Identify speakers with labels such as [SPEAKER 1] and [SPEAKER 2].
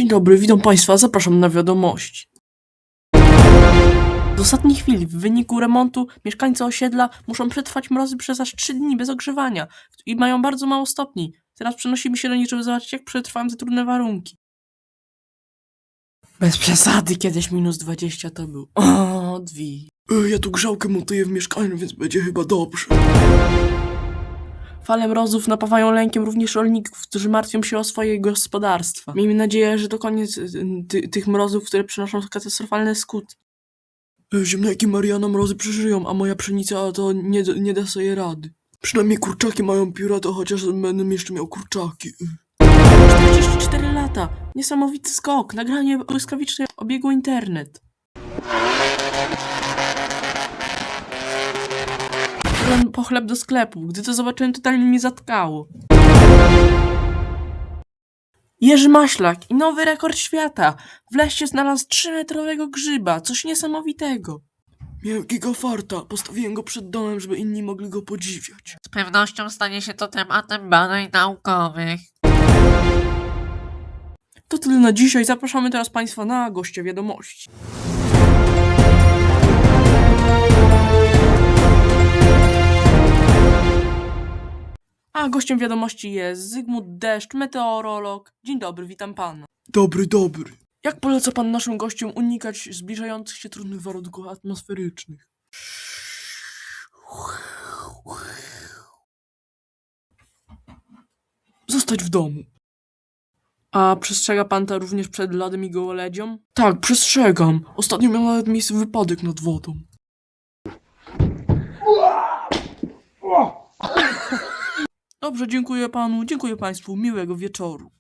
[SPEAKER 1] dobry, witam Państwa, zapraszam na wiadomości. Z ostatniej chwili, w wyniku remontu, mieszkańcy osiedla muszą przetrwać mrozy przez aż 3 dni bez ogrzewania i mają bardzo mało stopni. Teraz przenosimy się do nich, żeby zobaczyć, jak przetrwałem te trudne warunki. Bez przesady, kiedyś -20 to był. O, dwi.
[SPEAKER 2] Ja tu grzałkę montuję w mieszkaniu, więc będzie chyba dobrze.
[SPEAKER 1] Fale mrozów napawają lękiem również rolników, którzy martwią się o swoje gospodarstwa. Miejmy nadzieję, że to koniec tych mrozów, które przynoszą katastrofalne skutki.
[SPEAKER 2] Ziemniaki Mariana mrozy przeżyją, a moja pszenica to nie da sobie rady. Przynajmniej kurczaki mają pióra, to chociaż będę jeszcze miał kurczaki.
[SPEAKER 1] 44 lata! Niesamowity skok! Nagranie błyskawicznie obiegło internet. Byłem po chleb do sklepu. Gdy to zobaczyłem, totalnie mnie zatkało. Jerzy Maślak i nowy rekord świata! W lesie znalazł 3-metrowego grzyba. Coś niesamowitego.
[SPEAKER 2] Miałem gigafarta, postawiłem go przed domem, żeby inni mogli go podziwiać.
[SPEAKER 3] Z pewnością stanie się to tematem badań naukowych.
[SPEAKER 1] To tyle na dzisiaj. Zapraszamy teraz Państwa na goście wiadomości. A gościem wiadomości jest Zygmunt Deszcz, meteorolog. Dzień dobry, witam pana.
[SPEAKER 2] Dobry.
[SPEAKER 1] Jak poleca pan naszym gościom unikać zbliżających się trudnych warunków atmosferycznych?
[SPEAKER 2] Zostać w domu.
[SPEAKER 1] A przestrzega pan to również przed lodem i gołoledzią?
[SPEAKER 2] Tak, przestrzegam. Ostatnio miał nawet miejsce wypadek nad wodą.
[SPEAKER 1] Dobrze, dziękuję panu, dziękuję państwu, miłego wieczoru.